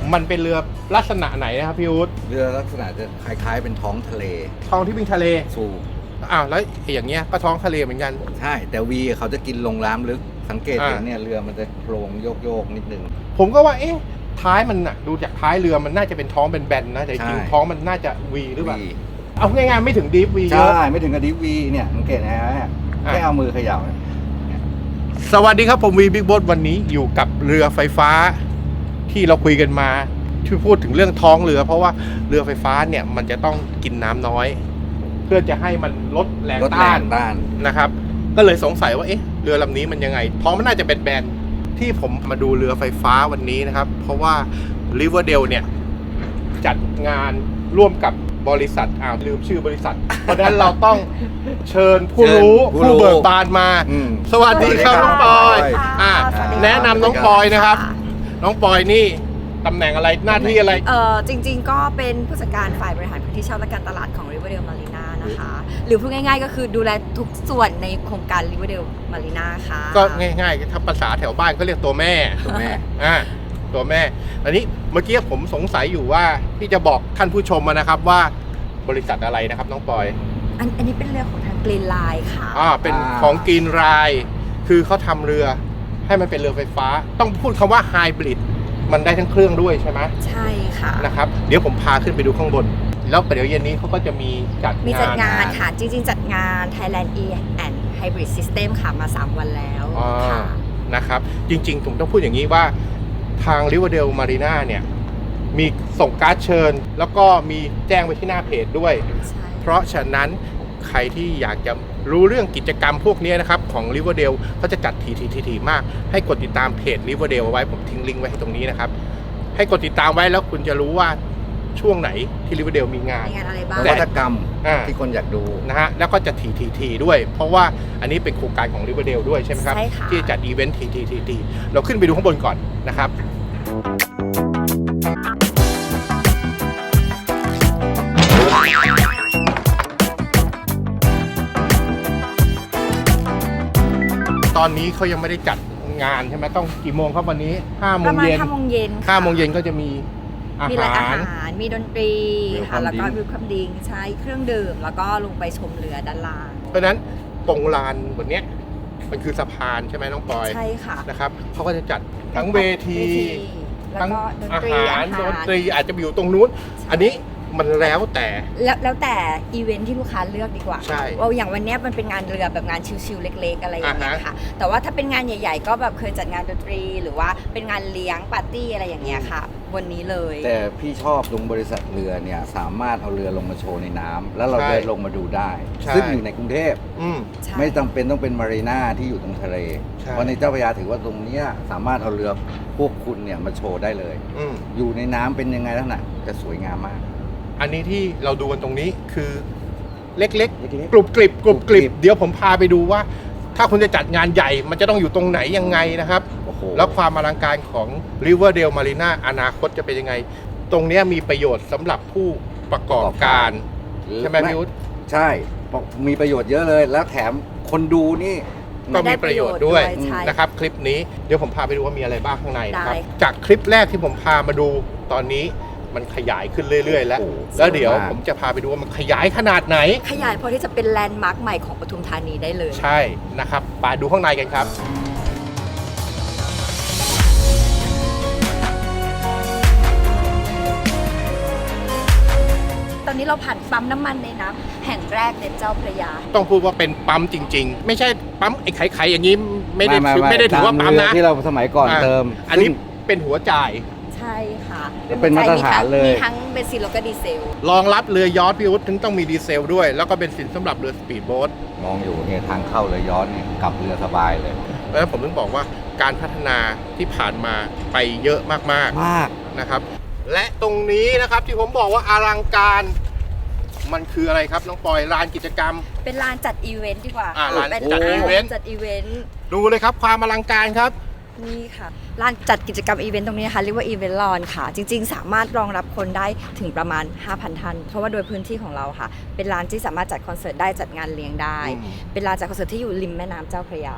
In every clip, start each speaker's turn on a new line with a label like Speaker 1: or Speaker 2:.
Speaker 1: มันเป็นเรือลักษณะไหนนะครับพี่อุ๊ด
Speaker 2: เรือลักษณะจะคล้ายๆเป็นท้องทะเล
Speaker 1: ท้องที่วิ่งทะเล
Speaker 2: สูบ
Speaker 1: แล้วอย่างเงี้ยก็ท้องทะเลเหมือนกัน
Speaker 2: ใช่แต่วีเขาจะกินลงน้ำลึกสังเกตเห็นเนี่ยเรือมันจะโครงโยกนิดนึง
Speaker 1: ผมก็ว่าท้ายมันน่ะดูจากท้ายเรือมันน่าจะเป็นท้องเป็นแบนนะแต่จริง
Speaker 2: ใช่
Speaker 1: ท้องมันน่าจะวีหรือเปล่า
Speaker 2: วี
Speaker 1: เอาง่ายๆไม่ถึงดีฟวีเยอะ
Speaker 2: ใช่ไม่ถึงกับดิฟวีเนี่ยสังเกตนะฮะแค่เอามือเขย่าเนี่ย
Speaker 1: สวัสดีครับผมวีบิ๊กโบ๊ทวันนี้อยู่กับเรือไฟฟ้าที่เราคุยกันมาที่พูดถึงเรื่องท้องเรือ เพราะว่าเรือไฟฟ้าเนี่ยมันจะต้องกินน้ำน้อย เพื่อจะให้มันลดแรง
Speaker 2: รถแร
Speaker 1: ต้าน
Speaker 2: งด้าน
Speaker 1: นะครับ ก็เลยสงสัยว่าเรือลำนี้มันยังไง ท้องมันน่าจะเป็นแบนที่ผมมาดูเรือไฟฟ้าวันนี้นะครับ เพราะว่า Riverdale เนี่ยจัดงานร่วมกับบริษัทลืมชื่อบริษัท เพราะฉะนั้นเราต้องเชิญผู้รู้
Speaker 2: ผู้รู้
Speaker 1: ผู้เบิกบานมา สวัสดีครับ
Speaker 2: สวัสดีครับ
Speaker 1: น้องปอย
Speaker 2: สวัสดีครับ
Speaker 1: แนะนำน้องปอยนะครับ น้องปอยนี่ตำแหน่งอะไรหน้าที่อะไร
Speaker 3: จริงๆ ก็เป็นผู้จัดการฝ่ายบริหารพื้นที่เช่าและการตลาดของ Riverdale Marina นะคะ หรือพูดง่ายๆ ก็คือดูแลทุกส่วนในโครงการ Riverdale Marina ค่ะ
Speaker 1: ก็ง่ายๆถ้าภาษาแถวบ้านก็เรียกตัวแม่
Speaker 2: ถูกไหม
Speaker 1: ตัวแม่ อันนี้เมื่อกี้ผมสงสัยอยู่ว่าพี่จะบอกท่านผู้ชมนะครับว่าบริษัทอะไรนะครับน้องปอย
Speaker 3: อันนี้เป็นเรือของทาง Green Line ค่ะ
Speaker 1: เป็นของกรีนไรน์คือเขาทำเรือให้มันเป็นเรือไฟฟ้า ต้องพูดคำว่าไฮบริดมันได้ทั้งเครื่องด้วยใช่ไหม
Speaker 3: ใช่ค่ะ
Speaker 1: นะครับเดี๋ยวผมพาขึ้นไปดูข้างบน แล้วเดี๋ยวเย็นนี้เขาก็จะมีจัด
Speaker 3: มีจัด
Speaker 1: งาน
Speaker 3: งานค่ะ จริงๆ จัดงาน Thailand E and Hybrid System ค่ะมา 3 วันแล้วค่ะ
Speaker 1: นะครับจริงๆผมต้องพูดอย่างนี้ว่าทาง Riverdale Marina เนี่ยมีส่งการ์ดเชิญ แล้วก็มีแจ้งไว้ที่หน้าเพจด้วย
Speaker 3: ใช่
Speaker 1: เพราะฉะนั้นใครที่อยากจะรู้เรื่องกิจกรรมพวกนี้นะครับของ Riverdale เขาจะจัดทีมากให้กดติดตามเพจ Riverdale เอาไว้ผมทิ้งลิงก์ไว้ให้ตรงนี้นะครับให้กดติดตามไว้แล้วคุณจะรู้ว่าช่วงไหนที่ Riverdale มีงาน
Speaker 3: มีงานอะไรบ้าง
Speaker 2: นวัตกรรม
Speaker 1: อ่า
Speaker 2: ที่คนอยากดู
Speaker 1: นะฮะแล้วก็จะทีด้วย เพราะว่าอันนี้เป็นโครงการของ Riverdale ด้วยใช่ไหมครับ
Speaker 3: ใช่ค่ะ
Speaker 1: ที่จัดอีเวนต์ทีเราขึ้นไปดูข้างบนก่อนนะครับตอนนี้เขายังไม่ได้จัดงานใช่ไหมต้องกี่โมงครับวันนี้5 โม
Speaker 3: ประ
Speaker 1: ง
Speaker 3: มาณ
Speaker 1: เย็น
Speaker 3: 5 โมงเย็น
Speaker 1: 5 โมงเย็นก็จะมีอา
Speaker 3: มีร้านอา
Speaker 1: หาร
Speaker 3: หาร มีดนตรีค่ะ
Speaker 2: Welcome
Speaker 3: แล้วก็
Speaker 2: drink
Speaker 3: วิวคัมดิงใช้เครื่องดื่ม แล้วก็ลงไปชมเรือด้านล่าง
Speaker 1: เพราะฉะนั้นตรงลานบนเนี้ยมันคือสะพานใช่ไหมน้องปอย
Speaker 3: ใช่ค่ะ
Speaker 1: นะครับเขาก็จะจัดทั้งเวที
Speaker 3: แล้ว
Speaker 1: ทั้ง
Speaker 3: ก็ดน
Speaker 1: อา
Speaker 3: ตรี
Speaker 1: หารดนตรีอาจจะไปอยู่ตรงนู้น อันนี้มันแล้วแต่
Speaker 3: แล้วแต่อีเวนท์ที่ลูกค้าเลือกดีกว่า
Speaker 1: ใช่
Speaker 3: ว่าอย่างวันเนี้ยมันเป็นงานเรือแบบงานชิลๆเล็กๆอะไรอย่างเงี้ย
Speaker 1: อ่าฮะ
Speaker 3: ค่ะ แต่ว่าถ้าเป็นงานใหญ่ ๆ ก็แบบเคยจัดงานดนตรี หรือว่าเป็นงานเลี้ยงปาร์ตี้อะไรอย่างเงี้ยค่ะ วันนี้เลย
Speaker 2: แต่พี่ชอบตรงบริษัทเรือเนี่ยสามารถเอาเรือลงมาโชว์ในน้ำแล้วเราเดินลงมาดูได้
Speaker 1: ใช่
Speaker 2: ซึ่งอยู่ในกรุงเทพ
Speaker 1: อืม
Speaker 3: ใช่
Speaker 2: ไม่จำเป็นต้องเป็นมารีนาที่อยู่ตรงทะเล
Speaker 1: ใช่
Speaker 2: เพราะในเจ้าพระยาถือว่าตรงเนี้ยสามารถเอาเรือพวกคุณเนี่ยมาโชว์ได้เลย
Speaker 1: อืม
Speaker 2: อยู่ในน้ำเป็นยังไงลักษณะจะสวยงามมาก
Speaker 1: อันนี้ที่เราดูกันตรงนี้คือเล็ก
Speaker 2: เล็ก
Speaker 1: ๆ กรุบกริบ
Speaker 2: กริบ
Speaker 1: เดี๋ยวผมพาไปดูว่า ถ้าคุณจะจัดงานใหญ่ มันจะต้องอยู่ตรงไหนยังไงนะครับ
Speaker 2: ๆโอ้โห
Speaker 1: แล้วความอลังการของ Riverdale Marina อนาคตจะเป็นยังไง ตรงเนี้ยมีประโยชน์สำหรับผู้ประกอบการ ใช่ไหมพี่อุ๊ด
Speaker 2: ใช่มีประโยชน์เยอะเลย แล้วแถมคนดูนี่
Speaker 1: ก็มีประโยชน์ด้วย
Speaker 3: ใช่
Speaker 1: นะครับคลิปนี้เดี๋ยวผมพาไปดูว่ามีอะไรบ้างข้างในนะครับ
Speaker 3: ได้
Speaker 1: จากคลิปแรกที่ผมพามาดูตอนนี้มันขยายขึ้นเรื่อยๆ แล้ว
Speaker 2: โอ้โห
Speaker 1: แล้วเดี๋ยว
Speaker 2: สวยมาก
Speaker 1: ผมจะพาไปดูว่ามันขยายขนาดไหน
Speaker 3: ขยายพอที่จะเป็นแลนด์มาร์คใหม่ของปทุมธานีได้เลย
Speaker 1: ใช่นะครับไปดูข้างในกันครับ
Speaker 3: ตอนนี้เราผ่านปั๊มน้ำมันในน้ำแห่งแรกในเจ้าพระยา
Speaker 1: ต้องพูดว่าเป็นปั๊มจริง ๆ ไม่ใช่ปั๊มไอ้ไข่ๆอย่างนี้ไม่ได้ถือว่าปั๊ม
Speaker 2: ตเรื
Speaker 1: นะ
Speaker 2: ที่เราสมัยก่อนเติม
Speaker 1: อันนี้เป็นหัวจ่าย
Speaker 3: ใช่ค่ะ
Speaker 2: เป็นมาตรฐานเลย
Speaker 3: มีทั้งเบนซินแล้วก็ดีเซล
Speaker 1: รองรับเรือยอชต์พี่อุ๊ดถึงต้องมีดีเซลด้วย แล้วก็เป็นสินสำหรับเรือสปีดโบ๊ท
Speaker 2: มองอยู่เนี่ยทางเข้าเลยย้อนเนี่ยกลับเรือสบายเลย
Speaker 1: เพราะฉะนั้นผมถึงบอกว่าการพัฒนาที่ผ่านมาไปเยอะมาก
Speaker 2: มาก
Speaker 1: ๆนะครับ และตรงนี้นะครับที่ผมบอกว่าอลังการมันคืออะไรครับน้องปอยลานกิจกรรม
Speaker 3: เป็นลานจัดอีเวนต์ดีกว่า
Speaker 1: ลาน
Speaker 3: เป็น
Speaker 1: จัดอีเวนต์
Speaker 3: จัดอีเวนต์
Speaker 1: ดูเลยครับความอลังการครับ
Speaker 3: นี่ค่ะลานจัดกิจกรรมอีเวนต์ตรงนี้นะคะเรียกว่าอีเวนต์ลอนค่ะ จริงๆ สามารถรองรับคนได้ถึงประมาณ 5,000 ท่าน เพราะว่าโดยพื้นที่ของเราค่ะ เป็นลานที่สามารถจัดคอนเสิร์ตได้จัดงานเลี้ยงได้
Speaker 1: อืม
Speaker 3: เป็นลานจัดคอนเสิร์ตที่อยู่ริมแม่น้ำเจ้าพระยา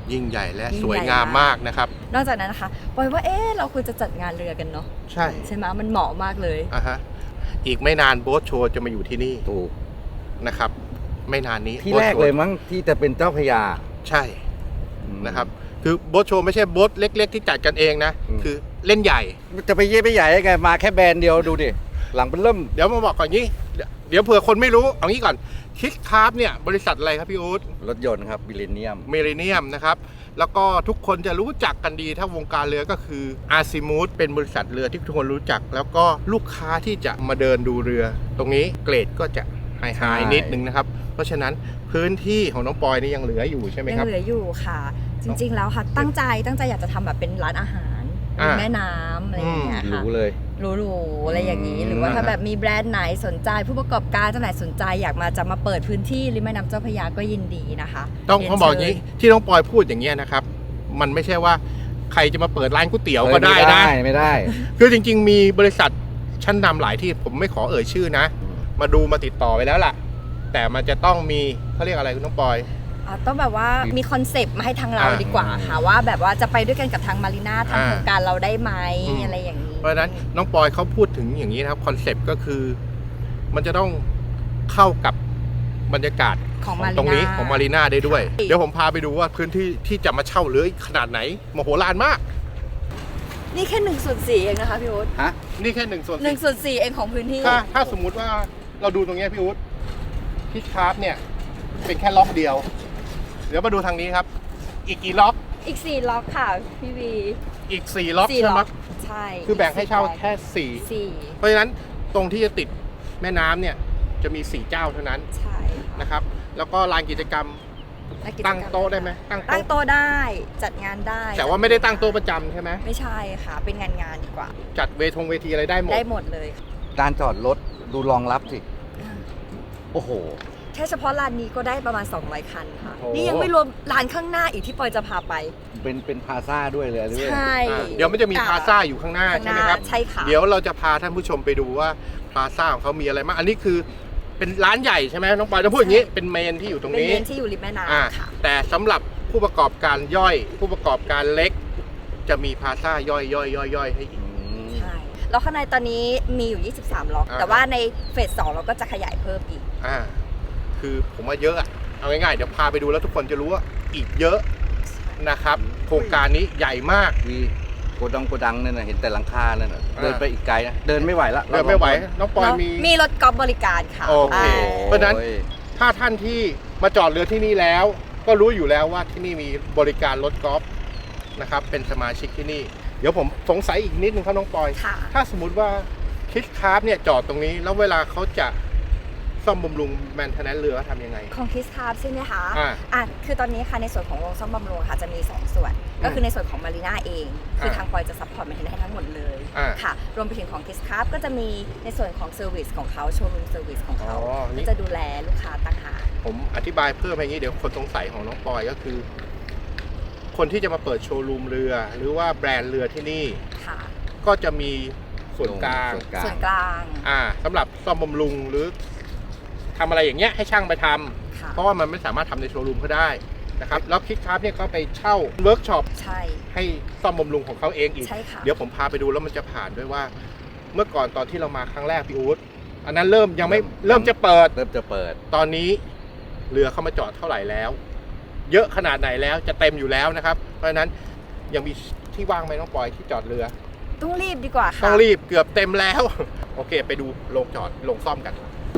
Speaker 1: ยิ่งใหญ่และ
Speaker 3: ยิ่งใหญ่
Speaker 1: สวยงามมากนะครับ
Speaker 3: นอกจากนั้นนะคะปอยว่าเราควรจะจัดงานเรือกันเนาะ
Speaker 1: ใช่
Speaker 3: ใช่ไหมมันเหมาะมากเลย
Speaker 1: อ่ะฮะอีกไม่นานโบ๊ทโชว์จะมาอยู่ที่นี่
Speaker 2: ถูก
Speaker 1: นะครับ ไม่นานนี้
Speaker 2: ที่
Speaker 1: โบ๊ท
Speaker 2: แรก
Speaker 1: โชว์
Speaker 2: เลยมั้งที่จะเป็นเจ้าพระยา
Speaker 1: ใช่นะครับ คือโบ๊ทโชว์ไม่ใช่โบ๊ทเล็ก ๆ ที่จัดกันเองนะ คือเล่นใหญ่
Speaker 2: จะไปเย่ไปใหญ่ได้ไงมาแค่แบรนด์เดียวดูดิ หลังเป็นเริ่ม
Speaker 1: เดี๋ยวมาบอกก่อนนี้ เดี๋ยวเผื่อคนไม่รู้ เอางี้ก่อนคิกคาร์ฟเนี่ยบริษัทอะไรครับพี่อู๊ด
Speaker 2: รถยนต์ครับบิลเลเนียม
Speaker 1: เมริเนียมนะครับ แล้วก็ทุกคนจะรู้จักกันดีถ้าวงการเรือก็คืออาซิมูดเป็นบริษัทเรือที่ทุกคนรู้จัก แล้วก็ลูกค้าที่จะมาเดินดูเรือ ตรงนี้เกรดก็จะไฮนิดนึงนะครับ เพราะฉะนั้นพื้นที่ของน้องปอยนี่ยังเหลืออยู่ใช่ไหม
Speaker 3: ยั
Speaker 1: ครับ
Speaker 3: เหลืออยู่ค่ะ จริงๆแล้วค่ะตั้งใจอยากจะทำแบบเป็นร้านอาหารริมแม่น้ำอะไรอย่างเงี้ย
Speaker 2: หรู
Speaker 3: ค่ะ
Speaker 2: เลย
Speaker 3: หรูๆอะไรอย่างนี้ หรือว่าถ้าแบบมีแบรนด์ไหนสนใจผู้ประกอบการเจ้าไหนสนใจอยากจะมาเปิดพื้นที่ริมแม่น้ำเจ้าพระยาก็ยินดีนะคะ
Speaker 1: ต้อง
Speaker 3: เรียน
Speaker 1: เขาบอกอย่างนี้
Speaker 3: เชิญ
Speaker 1: ที่น้องปอยพูดอย่างเงี้ยนะครับ มันไม่ใช่ว่าใครจะมาเปิดร้านก๋วยเตี๋ยวก็ได้นะ
Speaker 2: ไม่ได้
Speaker 1: คือจริง ๆ มีบริษัทชั้นนำหลายที่ผมไม่ขอเอ่ยชื่อนะ มาดูมาติดต่อไปแล้วล่ะ แต่มันจะต้องมีเขาเรียกอะไรคุณน้องปอย
Speaker 3: ต้องแบบว่ามีคอนเซปต์มาให้ทางเราดีกว่าค่ะว่าแบบว่าจะไปด้วยกันกับทางมารีนาทางโครงการเราได้ไหมอะไรอย่างนี้
Speaker 1: เพราะฉะนั้นน้องปอยเขาพูดถึงอย่างนี้นะครับคอนเซปต์ก็คือ มันจะต้องเข้ากับบรรยากาศ
Speaker 3: ของ
Speaker 1: ตรงนี้ของมารีนาได้ด้วย
Speaker 3: ใช่
Speaker 1: เดี๋ยวผมพาไปดูว่าพื้นที่ที่จะมาเช่าเรือขนาดไหนมโหฬารมาก
Speaker 3: นี่แค่1/4เองนะคะพี่อุ๊ด
Speaker 2: ฮะ
Speaker 1: นี่แค่1/4
Speaker 3: 1/4เองของพื้นที่
Speaker 1: ถ้าสมมุติว่าเราดูตรงเนี้ยพี่อุ๊ดพิชคาร์ฟเนี่ยเป็นแค่ล็อกเดียว เดี๋ยวมาดูทางนี้ครับ อีกกี่ล็อก
Speaker 3: อีก4ล็อกค่ะพี่วี
Speaker 1: อีก4ล็อก
Speaker 3: สี่
Speaker 1: ใช่ไหม
Speaker 3: ใช่
Speaker 1: คือแบ่งให้เช่าแค่
Speaker 3: สี่
Speaker 1: 4เพราะฉะนั้นตรงที่จะติดแม่น้ำเนี่ยจะมี4เจ้าเท่านั้น
Speaker 3: ใช่ค่ะ
Speaker 1: นะครับ แล้วก็ลานกิจกรรม
Speaker 3: และกิจกรรม
Speaker 1: ตั้งโต๊ะได้ไหมตั้ง
Speaker 3: ตั้ง
Speaker 1: โต๊ะ
Speaker 3: โต๊ะได้จัดงานได้
Speaker 1: แต่ว่าไม่ได้ตั้งโต๊ะประจำใช่ไหม
Speaker 3: ไม่ใช่ค่ะ เป็นงานดีกว่า
Speaker 1: จัดเวทีอะไรได้หมด
Speaker 3: ได้หมดเลยค่ะ
Speaker 2: การจอดรถดูรองรับสิ โอ้โห
Speaker 3: แค่เฉพาะลานนี้ก็ได้ประมาณ200คันค่ะ
Speaker 2: โอ้
Speaker 3: นี่ยังไม่รวมลานข้างหน้าอีกที่ปอยจะพาไป
Speaker 2: เป็นพลาซ่าด้วยเลยหรือ
Speaker 3: ใช่
Speaker 1: เดี๋ยวมันจะมีพลาซ่าอยู่ข้างหน้า
Speaker 3: ข้างห
Speaker 1: ใช่
Speaker 3: น้า
Speaker 1: ไหมครับ
Speaker 3: ใช่ค่ะ
Speaker 1: เดี๋ยวเราจะพาท่านผู้ชมไปดูว่าพลาซ่าของเขามีอะไรบ้างอันนี้คือเป็นร้านใหญ่ใช่ไหมน้องปอยจะพูดอย่างนี้เป็นเมนที่อยู่ตรง
Speaker 3: เป็น
Speaker 1: นี้
Speaker 3: เมนที่อยู่ริมแม่
Speaker 1: อ่า
Speaker 3: น้ำค่ะ
Speaker 1: แต่สำหรับผู้ประกอบการย่อย ผู้ประกอบการเล็ก จะมีพลาซ่าย่อยให้อีก
Speaker 3: ใช่ แล้วข้างในตอนนี้มีอยู่ 23 ล็อก
Speaker 1: อ่า
Speaker 3: แต่ว่าในเฟส 2 เราก็จะขยายเพิ่มอีก
Speaker 1: คือผมว่าเยอะอะเอาง่ายๆเดี๋ยวพาไปดูแล้วทุกคนจะรู้ว่าอีกเยอะนะครับ โครงการนี้ใหญ่มาก
Speaker 2: มีโกดังนั่นนะเห็นแต่หลังคานั่นนะเดินไปอีกไกลนะเดินไม่ไหวละ
Speaker 1: เดินไม่ไหวน้องปอยมี
Speaker 3: มีรถกอล์ฟบริการค่ะ
Speaker 1: โอเค เพราะฉะนั้น
Speaker 2: โอ้ย
Speaker 1: ถ้าท่านที่มาจอดเรือที่นี่แล้ว ก็รู้อยู่แล้วว่าที่นี่มีบริการรถกอล์ฟนะครับเป็นสมาชิกที่นี่ เดี๋ยวผมสงสัยอีกนิดนึงครับน้องปอย
Speaker 3: ค่ะ
Speaker 1: ถ้าสมมุติว่าคิดคาร์ฟเนี่ยจอดตรงนี้ แล้วเวลาเขาจะซ่อมบำรุงแมนเทนแนนเรือเขาทำยังไง
Speaker 3: ของคิสคาร์ใช่ไหมคะ
Speaker 1: อ่า
Speaker 3: คือตอนนี้ค่ะในส่วนของโรงซ่อมบำรุงค่ะจะมี 2 ส่วน ก็คือในส่วนของมารีนาเอง คือทางปอยจะซัพพอร์ตมาให้ทั้งหมดเลย
Speaker 1: อ่า
Speaker 3: ค่ะ รวมไปถึงของคิสคาร์ก็จะมีในส่วนของเซอร์วิสของเขาโชว์รูมเซอร์วิสของเขา
Speaker 1: อ๋อนี่
Speaker 3: ก็จะดูแลลูกค้าต่างหาก
Speaker 1: ผมอธิบายเพิ่มอย่างนี้เดี๋ยวคนสงสัยของน้องปอยก็คือ คนที่จะมาเปิดโชว์รูมเรือ หรือว่าแบรนด์เรือที่นี่
Speaker 3: ค่ะ
Speaker 1: ก็จะมีส่วนกลาง
Speaker 3: ส่วนกลาง
Speaker 1: สำหรับซ่อมบำรุงหรือทำอะไรอย่างเงี้ยให้ช่างไปทำ
Speaker 3: ค่ะ
Speaker 1: เพราะว่ามันไม่สามารถทำในโชว์รูมเขาได้นะครับแล้วคิกคาร์ฟเนี่ยเขาไปเช่าเวิร์กช็อป
Speaker 3: ใช่
Speaker 1: ให้ซ่อมบำรุงของเขาเองอีก
Speaker 3: ใช่ค่ะ
Speaker 1: เดี๋ยวผมพาไปดูแล้วมันจะผ่านด้วยว่า เมื่อก่อนตอนที่เรามาครั้งแรกพี่อู๊ดอันนั้นเริ่มยังไม่เริ่มจะเปิด
Speaker 2: เริ่มจะเปิด
Speaker 1: ตอนนี้เรือเข้ามาจอดเท่าไหร่แล้ว เยอะขนาดไหนแล้วจะเต็มอยู่แล้วนะครับ เพราะฉะนั้นยังมีที่ว่างไหมน้องปอยที่จอดเรือ
Speaker 3: ต้องรีบดีกว่าค่ะ
Speaker 1: ต้องรีบเกือบเต็มแล้ว โอเค ไปดูโรงจอดโรงซ่อมกัน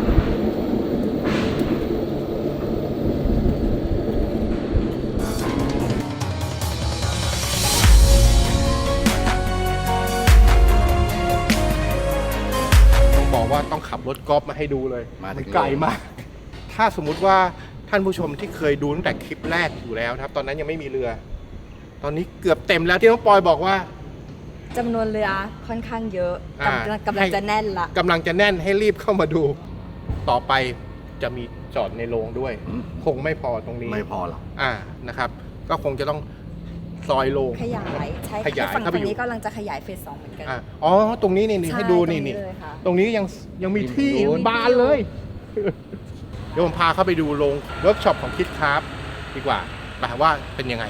Speaker 1: ต้องบอกว่าต้องขับรถกอล์ฟมาให้ดูเลย
Speaker 2: มาถึ
Speaker 1: น
Speaker 2: ง
Speaker 1: ไกลมาก ถ้าสมมุติว่าท่านผู้ชมที่เคยดูตั้งแต่คลิปแรกอยู่แล้วนะครับ ตอนนั้นยังไม่มีเรือ ตอนนี้เกือบเต็มแล้วที่น้องปอยบอกว่า
Speaker 3: จำนวนเรือค่อนข้างเยอะ
Speaker 1: อ่าก
Speaker 3: ำลังจะแน่นละ
Speaker 1: กำลังจะแน่นให้รีบเข้ามาดู ต่อไปจะมีจอดในโรงด้วย คงไม่พอตรงนี้
Speaker 2: ไม่พอหรอก
Speaker 1: นะครับ ก็คงจะต้องซอยโรง
Speaker 3: ขยายใช่
Speaker 1: ขยาย
Speaker 3: ฝั่ง
Speaker 1: เข้าไป
Speaker 3: ทาง
Speaker 1: อยู่
Speaker 3: นี้กำลังจะขยายเฟส 2เหมือนกัน
Speaker 1: อ๋อตรงนี้นี่
Speaker 3: ใช่
Speaker 1: ให้ดู
Speaker 3: ตรง
Speaker 1: นี่
Speaker 3: เลยค่ะ
Speaker 1: ตรงนี้ยังมีที่
Speaker 2: ยังมีที่
Speaker 1: บานเลย เดี๋ยวผมพาเข้าไปดูโรงเวิร์กช็อปของคิดคราฟดีกว่าว่าเป็นยังไง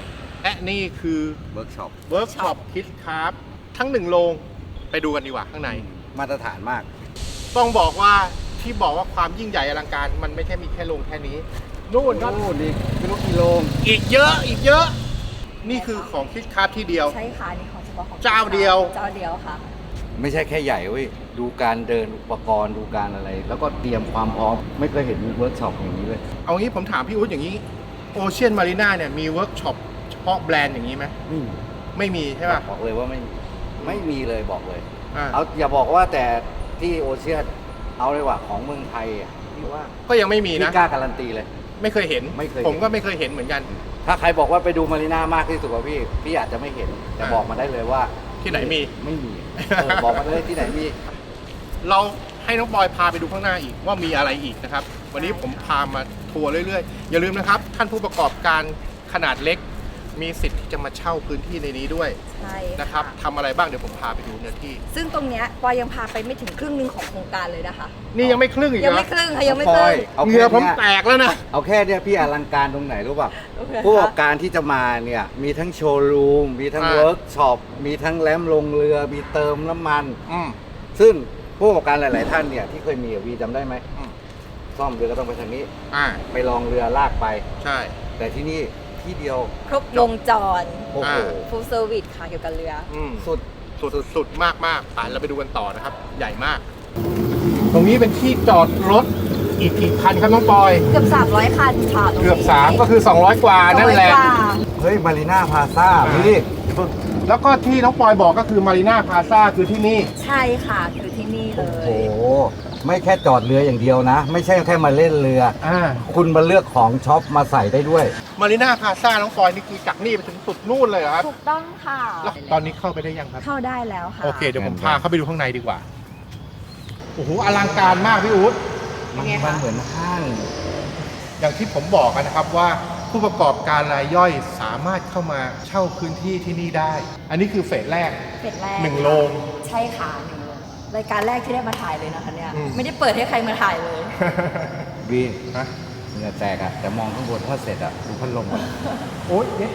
Speaker 1: และนี่คือ
Speaker 2: เวิร์กช็อป
Speaker 1: เวิร์กช็อปคิดครับทั้ง1โรงไปดูกันดีกว่าข้างใน
Speaker 2: มาตรฐานมาก
Speaker 1: ต้องบอกว่าที่บอกว่าความยิ่งใหญ่อลังการมันไม่ใช่มีแค่โรงแค่นี้นู่นครับ
Speaker 2: โอ้ดีไม่รู้กี่โลง
Speaker 1: อีกเยอะอีกเยอะ นี่คือของคิดครับที่เดียว
Speaker 3: ใช่ค่ะนี่ของเฉพาะของ
Speaker 1: เจ้าเดียว
Speaker 3: เจ้าเดียวค่ะ
Speaker 2: ไม่ใช่แค่ใหญ่เว้ย ดูการเดินอุปกรณ์ดูการอะไร แล้วก็เตรียมความพร้อม ไม่เคยเห็นเวิร์กช็อปอย่างนี้เลย
Speaker 1: เอางี้ผมถามพี่อุ๊ดอย่างนี้โอเชียนมารีนาเนี่ยมีเวิร์กช็อปเฉพาะแบรนด์อย่างนี้ไหมไม่มีใช่ป่ะ
Speaker 2: บอกเลยว่าไม่มีเลยบอกเลย
Speaker 1: อ่า
Speaker 2: เอาอย่าบอกว่าแต่ที่โอเชียนเอาเลยว่าของเมืองไทยอ่ะที่ว่า
Speaker 1: ก็ยังไม่มีนะ
Speaker 2: พี่กล้าการันตีเลย
Speaker 1: ไม่เคยเห็น
Speaker 2: ไม่เคยเห็น
Speaker 1: ผมก็ไม่เคยเห็นเหมือนกัน
Speaker 2: ถ้าใครบอกว่าไปดูมารีน่ามากที่สุดกว่าพี่อาจจะไม่เห็นแต่
Speaker 1: อ่า
Speaker 2: บอกมาได้เลยว่า
Speaker 1: ที่ไหนมี
Speaker 2: ไม่มีบอกมาเลยที่ไหนมี
Speaker 1: เราให้น้องบอยพาไปดูข้างหน้าอีกว่ามีอะไรอีกนะครับ วันนี้ผมพามาทัวร์เรื่อยๆ อย่าลืมนะครับ ท่านผู้ประกอบการขนาดเล็ก มีสิทธิ์ที่จะมาเช่าพื้นที่ในนี้ด้วย
Speaker 3: ใช่
Speaker 1: นะครับทำอะไรบ้างเดี๋ยวผมพาไปดูเนื้อที่
Speaker 3: ซึ่งตรงเนี้ยปอยยังพาไปไม่ถึงครึ่งหนึงของโครงการเลยนะคะ
Speaker 1: นี่ยังไม่ครึ่งอีก
Speaker 3: ยัง
Speaker 1: นะ
Speaker 3: ไม่ครึ่งค่ะยังไม่ครึ่ง
Speaker 2: เอา
Speaker 1: เห
Speaker 2: แค่
Speaker 1: งื่อผม
Speaker 2: เนี้ย
Speaker 1: แตกแล้วนะ
Speaker 2: เอาแค่เนี้ยพี่อลังการตรงไหนรู้ป่ะ
Speaker 3: โอเค
Speaker 2: ผู้ประกอบการที่จะมาเนี่ยมีทั้งโชว์รูมมีทั้งเวิร์กช็อปมีทั้งแรมลงเรือมีเติมน้ำมัน
Speaker 1: อืม
Speaker 2: ซึ่งผู้ประกอบการหลาย ๆ ท่านเนี่ยที่เคยมีกับวีจำได้ไหม
Speaker 1: อืม
Speaker 2: ซ่อมเรือก็ต้องไปทางนี้
Speaker 1: อ่า
Speaker 2: ไปลองเรือลากไป
Speaker 1: ใช่
Speaker 2: แต่ที่นี่ที่เดียว
Speaker 3: ครบวงจร
Speaker 2: โอ้โห
Speaker 1: อ่า
Speaker 3: full service ค่ะเกี่ยวกับเรือ
Speaker 1: อืม
Speaker 2: สุด
Speaker 1: สุดมากมากๆไปเราไปดูกันต่อนะครับ ใหญ่มาก ตรงนี้เป็นที่จอดรถอีกกี่คันครับน้องปอย
Speaker 3: เกือบ 300 คันค่ะตรงนี้
Speaker 1: เกือบ 3 ก็คือ 200 กว่านั่นแหละ
Speaker 3: ร้อยกว่า
Speaker 2: เฮ้ยมารีน่าพาซ่าพี่
Speaker 1: แล้วก็ที่น้องปอยบอกก็คือมารีนาพาซาคือที่นี่
Speaker 3: ใช่ค่ะคือที่นี่เล
Speaker 2: โอ้
Speaker 3: ย
Speaker 2: โหไม่แค่จอดเรืออย่างเดียวนะ ไม่ใช่แค่มาเล่นเรือ
Speaker 1: อ่า
Speaker 2: คุณมาเลือกของช็อปมาใส่ได้ด้วย
Speaker 1: มารีนาพาซาน้องปอยนี่คือจากนี่ไปถึงสุดนู่นเลยเหรอครับ
Speaker 3: ถูกต้องค่ะ
Speaker 1: แล้วตอนนี้เข้าไปได้ยังครับ
Speaker 3: เข้าได้แล้วค่ะ
Speaker 1: โอเค เดี๋ยวผมพาเข้าไปดูข้างในดีกว่า โอ้โห อลังการมากพี่อู๊ด
Speaker 3: เป็นไง
Speaker 2: มั
Speaker 3: คะ
Speaker 2: เหมือนห้าง
Speaker 1: อย่างที่ผมบอกกันนะครับว่าผู้ประกอบการรายย่อยสามารถเข้ามาเช่าพื้นที่ที่นี่ได้ อันนี้คือเฟสแรก
Speaker 3: เป็ดแรก
Speaker 1: 1 โรง
Speaker 3: ใช่ค่ะ1 โรงรายการแรกที่ได้มาถ่ายเลยนะคะเนี่ย
Speaker 1: อืม
Speaker 3: ไม่ได้เปิดให้ใครมาถ่ายเลย
Speaker 2: วี
Speaker 1: ฮะ
Speaker 2: เหงื่อแตกอะแต่มองข้างบนถ้าเสร็จอะดูพัดลมอะ
Speaker 1: โอ๊ยเย็ด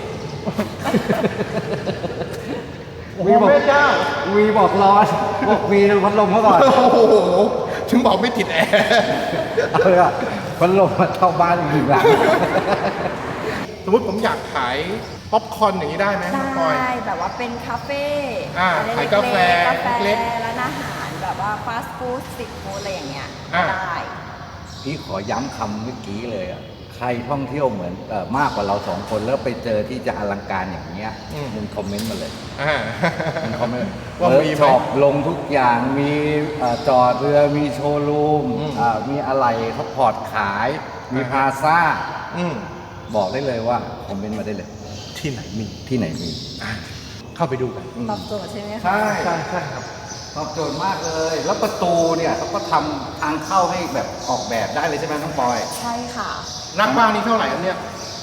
Speaker 1: โอ้โห
Speaker 2: วีบอก
Speaker 1: แม่เจ้า
Speaker 2: วีบอกร้อนบอกวีดูพัดลมเขาก่อน
Speaker 1: โอ้โห ถึงบอกไม่ติดแอร์
Speaker 2: เอาเลยอะพัดลมมาเข้าบ้านอีกหลัง
Speaker 1: สมมติผมอยากขายป๊อปคอร์นอย่างนี้ได้ไหมน้องปอย
Speaker 3: ได้แบบว่าเป็นคาเฟ่
Speaker 1: อ่า
Speaker 3: อะไร
Speaker 1: ขายกาแฟ
Speaker 3: กาแฟ
Speaker 1: เล็ก
Speaker 3: ร้านอาหารแบบว่าฟาสต์ฟู้ดสตรีทฟู้ดอะไรอย่างเงี้ย
Speaker 1: อ่า
Speaker 3: ได้
Speaker 2: พี่ขอย้ำคำเมื่อกี้เลยอะใครท่องเที่ยวเหมือนมากกว่าเราสองคนแล้วไปเจอที่จะอลังการอย่างเงี้ยมึงคอมเมนต์มาเลย
Speaker 1: อ่า
Speaker 2: มึงคอมเมนต์
Speaker 1: ว่า
Speaker 2: เวิร์
Speaker 1: มี
Speaker 2: ก
Speaker 1: ไหม
Speaker 2: ช็อปลงทุกอย่างมีจอดเรือมีโชว์รูม
Speaker 1: อืม
Speaker 2: มีอะไรเขาพอร์ตขาย มีพลาซ่า
Speaker 1: อืม
Speaker 2: บอกได้เลยว่าคอมเมนต์มาได้เลย
Speaker 1: ที่ไหนมี
Speaker 2: ที่ไหนมี
Speaker 1: อ่ะเข้าไปดูกัน
Speaker 3: ตอบโจทย์ใช่ไหมคะ
Speaker 2: ใช่
Speaker 1: ใช่ใช่ครับ
Speaker 2: ตอบโจทย์มากเลย แล้วประตูเนี่ยเขาก็ทำทางเข้าให้แบบออกแบบได้เลยใช่ไหมน้องปอย
Speaker 3: ใช่ค่ะ
Speaker 1: นักบ้างนี่เท่าไหร่ครับเนี่ย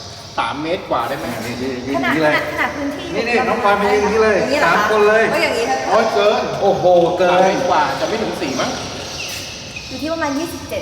Speaker 1: 3 เมตรกว่าได้ไหม
Speaker 2: นี่ยืน
Speaker 3: ขนาด
Speaker 2: นี่เลย
Speaker 3: ขนาดพื้นที่
Speaker 2: นี่น้องปอยมายืนอย่างนี้เลย
Speaker 3: อย่างนี้เหรอ
Speaker 2: สามคนเลย
Speaker 3: ก็อย่างนี้ค่ะ
Speaker 1: โอ้ยเกิน
Speaker 2: โอ้โหเกิ
Speaker 1: 3 เม
Speaker 2: น
Speaker 1: ตรกว่าจะไม่ถึง 4 มั้ง
Speaker 3: อยู่ที่ประมาณ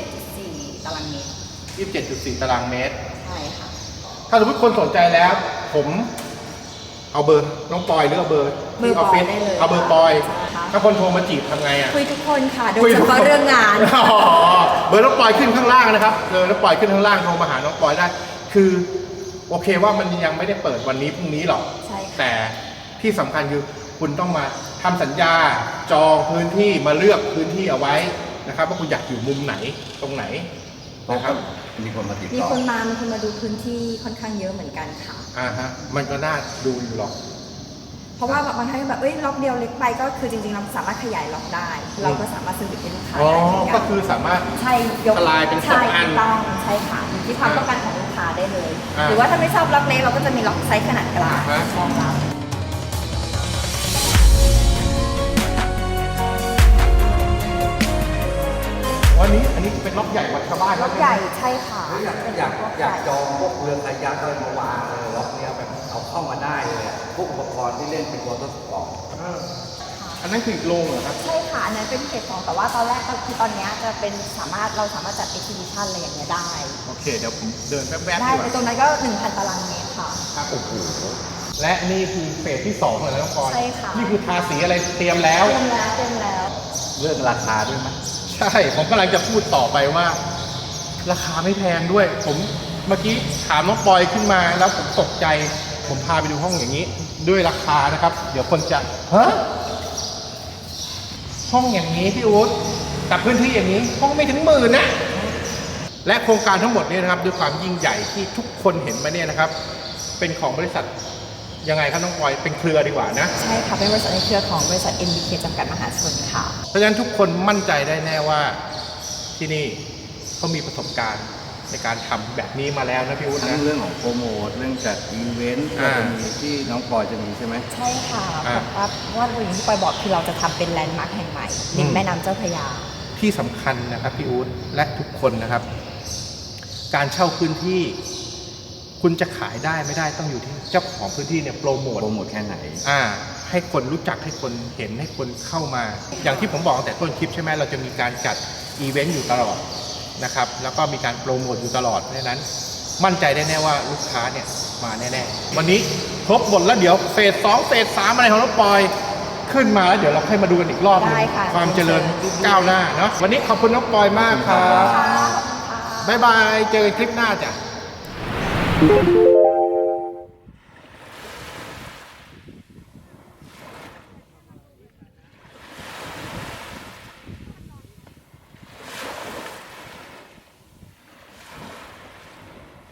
Speaker 3: 27.4 ตารางเมตร
Speaker 1: 27.4 ตารางเมตร
Speaker 3: ใช่ค่ะ
Speaker 1: ถ้าสมมติคนสนใจแล้ว ผมเอาเบอร์น้องปอยหรือเอาเบอร์ที่ออฟฟิศ
Speaker 3: ได้เลย
Speaker 1: เอาเบอร์ปอย
Speaker 3: ใช่ค่ะ
Speaker 1: ถ้าคนโทรมาจีบทำไงอ่ะ
Speaker 3: คุยทุกคนค่ะ โดยเฉพาะเรื่องงาน
Speaker 1: อ๋อเบอร์น้องปอยขึ้นข้างล่างนะครับเบอร์น้องปอยขึ้นข้างล่างโทรมาหาน้องปอยได้ คือโอเคว่ามันยังไม่ได้เปิดวันนี้พรุ่งนี้หรอก
Speaker 3: ใช่ค่ะ
Speaker 1: แต่ที่สำคัญคือคุณต้องมาทำสัญญาจองพื้นที่มาเลือกพื้นที่เอาไว้นะครับว่าคุณอยากอยู่มุมไหนตรงไหนนะครับ
Speaker 2: มีคนมาติด
Speaker 3: มี
Speaker 2: ต่อ
Speaker 3: คนมาดูพื้นที่ค่อนข้างเยอะเหมือนกันค่ะ
Speaker 1: ฮะมันก็น่าดูอยู่หรอก
Speaker 3: เพราะว่าบางท่านแบบล็อกเดียวเล็กไปก็คือจริงๆเราสามารถขยายล็อกได้ เราก็สามารถซื้อให้ลูกค้า
Speaker 1: อ๋อ
Speaker 3: ได้เหมือนกั
Speaker 1: ก็คือสามารถ
Speaker 3: ใช่ยก
Speaker 1: ทลายเป็น
Speaker 3: ใช่
Speaker 1: 2 อัน
Speaker 3: ถูกต้องใช่ค่ะอยู่ที่ความต้องการของลูกค้าได้เลย
Speaker 1: อ่า
Speaker 3: หรือว่าถ้าไม่ชอบล็อกเล็กเราก็จะมีล็อกไซส์ขนาดกลาง
Speaker 1: อ่าฮะ
Speaker 3: รองรับ
Speaker 1: วันนี้อันนี้เป็นล็อกใหญ่กว่าชาวบ้าน
Speaker 3: ล็อกใหญ่ใช่ค่ะ
Speaker 2: อยากจองพวกเรือคายักอะไรมาวางเลยล็อกเนี้ยแบบเอาเข้ามาได้เลยอะพวกอุปกรณ์ที่เล่นเป็นวอเตอร์สปอร์ต
Speaker 1: อันนั้นคืออีกโรงเหรอครับ
Speaker 3: ใช่ค่ะอันนั้นเป็นเฟส2แต่ว่าตอนแรกคือตอนเนี้ยจะเป็นเราสามารถจัด exhibition อะไรอย่างเงี้ยได้
Speaker 1: โอเค เดี๋ยวผมเดินแป๊บๆ
Speaker 3: ได้
Speaker 1: ดีก
Speaker 3: ใน
Speaker 1: ว่า
Speaker 3: ตรงนั้นก็ 1,000 ตารางเมตรค่ะ
Speaker 1: ครับโอ้โหและนี่คือเฟสที่2เลยนะน้องปอย
Speaker 3: ใช่ค่ะ
Speaker 1: นี่คือทาสีอะไรเตรียมแล้ว
Speaker 3: เต็มแล้ว
Speaker 2: เรื่องราคาด้วยมั้ย
Speaker 1: ใช่ผมกำลังจะพูดต่อไปว่า ราคาไม่แพงด้วย ผมเมื่อกี้ถามน้องปอยขึ้นมาแล้วผมตกใจ ผมพาไปดูห้องอย่างนี้ ด้วยราคานะครับ เดี๋ยวคนจะฮะห้องอย่างนี้พี่อู๊ดกับพื้นที่อย่างนี้ ห้องไม่ถึง10,000นะ และโครงการทั้งหมดนี้นะครับด้วยความยิ่งใหญ่ที่ทุกคนเห็นมาเนี่ยนะครับ เป็นของบริษัทยังไงครับน้องปอยเป็นเครือดีกว่านะ
Speaker 3: ใช่ค่ะ เป็นบริษัทในเครือของบริษัท MBK จำกัดมหาชนค่ะ
Speaker 1: เพราะฉะนั้นทุกคนมั่นใจได้แน่ว่าที่นี่เขามีประสบการณ์ในการทำแบบนี้มาแล้วนะพี่อุ๊ด
Speaker 2: ทั้
Speaker 1: นะ
Speaker 2: งเรื่องของโปรโมทเรื่องจัดอีเวนต์ก็จะมีที่น้องปอยจะมีใช่ไหม
Speaker 3: ใช่ค่ะ
Speaker 1: อ่า
Speaker 3: เพราะว่าอย่างที่ปอยบอกคือเราจะทำเป็นแลนด์มาร์คแห่งใหม่ริมแม่น้ำเจ้าพระยา
Speaker 1: ที่สำคัญนะครับพี่อุ๊ดและทุกคนนะครับ การเช่าพื้นที่ คุณจะขายได้ไม่ได้ต้องอยู่ที่เจ้าของพื้นที่เนี่ยโปรโมท
Speaker 2: โปรโมทแค่ไหน
Speaker 1: ให้คนรู้จักให้คนเห็นให้คนเข้ามา อย่างที่ผมบอกตั้งแต่ต้นคลิปใช่ไหมเราจะมีการจัดอีเวนต์อยู่ตลอดนะครับแล้วก็มีการโปรโมทอยู่ตลอดเพราะฉะนั้น มั่นใจได้แน่ว่าลูกค้าเนี่ยมาแน่ๆวันนี้ครบหมดแล้วเดี๋ยวเฟส2เฟส3อะไรของน้องปอยขึ้นมาแล้วเดี๋ยวเราค่อยมาดูกันอีกรอบหนึง
Speaker 3: ได้ค่ะ
Speaker 1: ความเจริญก้าวหน้าเนาะวันนี้ขอบคุณน้องปอยมากครับบ๊ายบายเจอกันคลิปหน้าจ้ะ